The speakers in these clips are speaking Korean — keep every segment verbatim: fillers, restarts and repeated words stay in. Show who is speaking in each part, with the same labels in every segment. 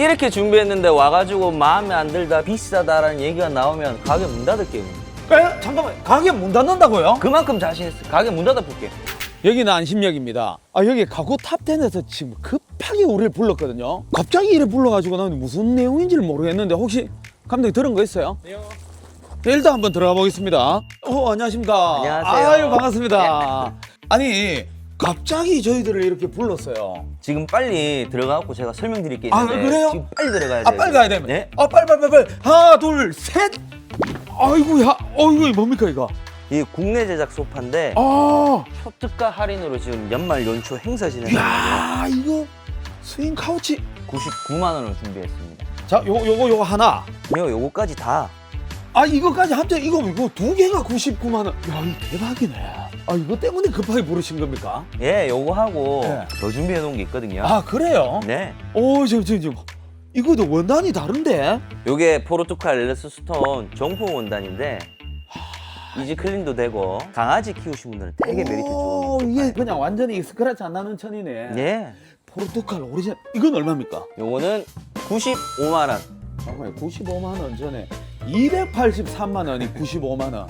Speaker 1: 이렇게 준비했는데 와가지고 마음에 안 들다 비싸다라는 얘기가 나오면 가게 문 닫을게요.
Speaker 2: 에? 잠깐만, 가게 문 닫는다고요?
Speaker 1: 그만큼 자신있어. 가게 문 닫아볼게.
Speaker 2: 여기는 안심역입니다. 아, 여기 가구 탑텐에서 지금 급하게 우리를 불렀거든요. 갑자기 이래 불러가지고 나는 무슨 내용인지를 모르겠는데 혹시 감독님 들은 거 있어요? 네. 일단 한번 들어가 보겠습니다. 어, 안녕하십니까.
Speaker 1: 안녕하세요.
Speaker 2: 아유, 반갑습니다. 아니, 갑자기 저희들을 이렇게 불렀어요.
Speaker 1: 지금 빨리 들어가고 제가 설명드릴 게
Speaker 2: 아,
Speaker 1: 있는데
Speaker 2: 그래요?
Speaker 1: 지금 빨리 들어가야
Speaker 2: 아,
Speaker 1: 돼요.
Speaker 2: 빨리 가야 되면.
Speaker 1: 네?
Speaker 2: 아, 빨리, 빨리, 빨리, 빨리. 하나, 둘, 셋. 아이고야, 어이구, 뭡니까, 이거?
Speaker 1: 이 국내 제작 소파인데
Speaker 2: 아,
Speaker 1: 초특가 할인으로 지금 연말 연초 행사 진행합니다.
Speaker 2: 야, 이거 스윙 카우치.
Speaker 1: 구십구만 원을 준비했습니다.
Speaker 2: 자, 요거, 요거, 요거 하나.
Speaker 1: 요 요거까지 다.
Speaker 2: 아, 이거까지 합쳐 이거 이거 두 개가 구십구만 원. 야, 이거 대박이네. 아, 이거 때문에 급하게 부르신 겁니까?
Speaker 1: 예, 요거 하고
Speaker 2: 네.
Speaker 1: 더 준비해 놓은 게 있거든요.
Speaker 2: 아, 그래요?
Speaker 1: 네.
Speaker 2: 오, 저, 저, 저. 이거도 원단이 다른데?
Speaker 1: 요게 포르투갈 엘레스 스톤 정품 원단인데 이지 클린도 되고 강아지 키우신 분들은 되게 메리트
Speaker 2: 오,
Speaker 1: 좋은
Speaker 2: 이게 그냥 완전히 스크래치 안 나는 천이네.
Speaker 1: 예.
Speaker 2: 포르투갈 오리지널. 이건 얼마입니까?
Speaker 1: 요거는 구십오만 원.
Speaker 2: 잠깐만, 구십오만 원 전에 이백팔십삼만 원이 구십오만 원.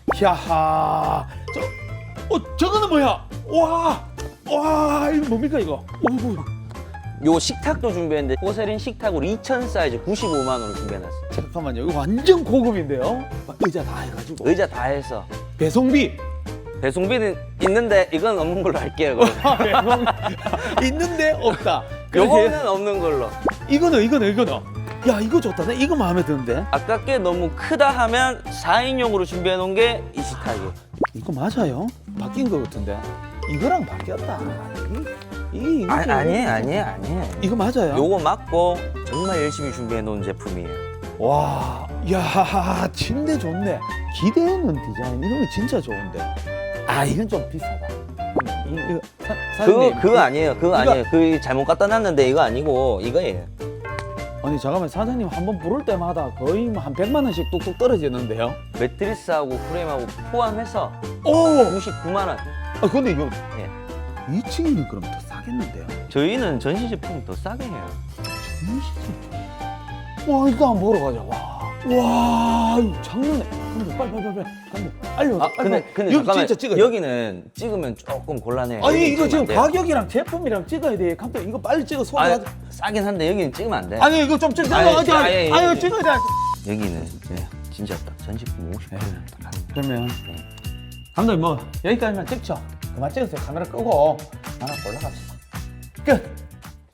Speaker 2: 야하. 저, 어, 저거는 뭐야? 와, 와, 이거 뭡니까 이거? 오,
Speaker 1: 요 식탁도 준비했는데 포세린 식탁으로 이천 사이즈 구십오만 원을 준비해놨어요.
Speaker 2: 잠깐만요. 이거 완전 고급인데요? 의자 다 해가지고.
Speaker 1: 의자 다 해서
Speaker 2: 배송비.
Speaker 1: 배송비는 있는데 이건 없는 걸로 할게요. 그럼.
Speaker 2: 있는데 없다. 그렇게
Speaker 1: 요거는 없는 걸로.
Speaker 2: 이거는 이거는 이거는. 야, 이거 좋다. 나 이거 마음에 드는데.
Speaker 1: 아깝게 너무 크다 하면 사 인용으로 준비해 놓은 게 이 식탁이에요.
Speaker 2: 이거 맞아요? 바뀐 거 같은데. 이거랑 바뀌었다. 이 이게
Speaker 1: 아,
Speaker 2: 이거죠.
Speaker 1: 아니에요, 아니에요, 아니에요.
Speaker 2: 이거 맞아요?
Speaker 1: 요거 맞고 정말 열심히 준비해 놓은 제품이에요.
Speaker 2: 와, 야, 침대 좋네. 기대하는 디자인 이런 거 진짜 좋은데. 아, 이건 좀 비싸다. 이, 이거 사, 사장님,
Speaker 1: 그거 그거 아니에요. 그거
Speaker 2: 이거-
Speaker 1: 아니에요. 그 잘못 갖다 놨는데 이거 아니고 이거예요.
Speaker 2: 아니 잠깐만, 사장님 한 번 부를 때마다 거의 뭐 한 백만 원씩 뚝뚝 떨어지는데요.
Speaker 1: 매트리스하고 프레임하고 포함해서
Speaker 2: 오,
Speaker 1: 구십구만 원.
Speaker 2: 아 근데 이거
Speaker 1: 예.
Speaker 2: 이 층이는 그럼 더 싸겠는데요?
Speaker 1: 저희는 전시 제품 더 싸게 해요.
Speaker 2: 와, 이거 한번 보러 가자. 와, 와, 이거 장난해. 근데 빨리 빨리 빨리 빨리 알려.
Speaker 1: 아, 근데 근데
Speaker 2: 여기
Speaker 1: 잠깐만.
Speaker 2: 진짜 찍어.
Speaker 1: 여기는 찍으면 조금 곤란해요.
Speaker 2: 아니
Speaker 1: 여기
Speaker 2: 이거
Speaker 1: 찍으면
Speaker 2: 지금
Speaker 1: 안 돼요.
Speaker 2: 가격이랑 제품이랑 찍어야 돼. 감독 이거 빨리 찍어 소화.
Speaker 1: 아니,
Speaker 2: 아니,
Speaker 1: 싸긴 한데 여기는 찍으면 안 돼.
Speaker 2: 아니 이거 좀 찍어.
Speaker 1: 아니,
Speaker 2: 아니,
Speaker 1: 아니,
Speaker 2: 아니,
Speaker 1: 아니,
Speaker 2: 아니,
Speaker 1: 아니,
Speaker 2: 찍어야 돼.
Speaker 1: 여기는 예, 진짜 딱 전시품 오십 퍼센트 딱 하는
Speaker 2: 그러면
Speaker 1: 네.
Speaker 2: 감독님 뭐 여기까지만 찍죠. 그만 찍으세요. 카메라 끄고 하나 올라갑시다. 끝.